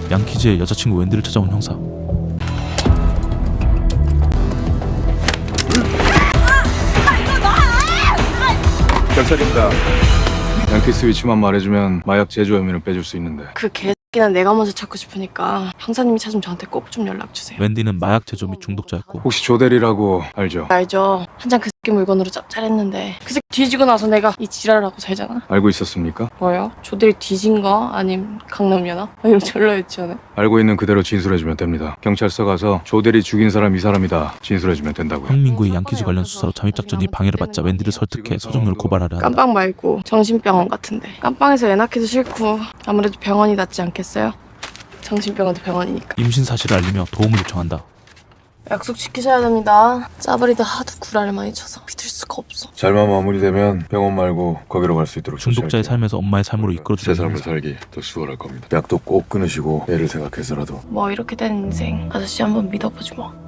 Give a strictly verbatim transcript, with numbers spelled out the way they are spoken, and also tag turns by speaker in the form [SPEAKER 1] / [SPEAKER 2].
[SPEAKER 1] 양키즈의 여자친구 웬디를 찾아온 형사.
[SPEAKER 2] 경찰입니다. 양키스 위치만 말해주면 마약 제조 혐의는 빼줄 수 있는데.
[SPEAKER 3] 그 개새끼는 내가 먼저 찾고 싶으니까 형사님이 찾으면 저한테 꼭 좀 연락 주세요.
[SPEAKER 1] 웬디는 마약 제조 및 중독자였고
[SPEAKER 2] 혹시 조대리라고 알죠?
[SPEAKER 3] 알죠? 한장 그 새끼 물건으로 짭짤했는데 그 새끼 뒤지고 나서 내가 이 지랄하고 살잖아.
[SPEAKER 2] 알고 있었습니까?
[SPEAKER 3] 뭐요? 조들이 뒤진 거? 아님 강남연합? 아니면 졸라 유치원에?
[SPEAKER 2] 알고 있는 그대로 진술해주면 됩니다. 경찰서 가서 조대리 죽인 사람 이 사람이다 진술해주면 된다고요.
[SPEAKER 1] 형민구의 양키즈 관련 수사로 잠입작전이 방해를 받자 웬디를 설득해 서정료를 고발하려 한다.
[SPEAKER 3] 깜빵 말고 정신병원 같은데. 깜빵에서 애 낳기도 싫고 아무래도 병원이 낫지 않겠어요? 정신병원도 병원이니까.
[SPEAKER 1] 임신 사실을 알리며 도움을 요청한다.
[SPEAKER 3] 약속 지키셔야 됩니다. 짜버리도 하도 구라를 많이 쳐서 믿을 수가 없어.
[SPEAKER 2] 잘만 마무리되면 병원 말고 거기로 갈 수 있도록
[SPEAKER 1] 중독자의 삶에서 엄마의 삶으로
[SPEAKER 2] 새
[SPEAKER 1] 이끌어주는
[SPEAKER 2] 삶을
[SPEAKER 1] 형사.
[SPEAKER 2] 살기 더 수월할 겁니다. 약도 꼭 끊으시고 애를 생각해서라도.
[SPEAKER 3] 뭐 이렇게 된 인생 아저씨 한번 믿어보지 뭐.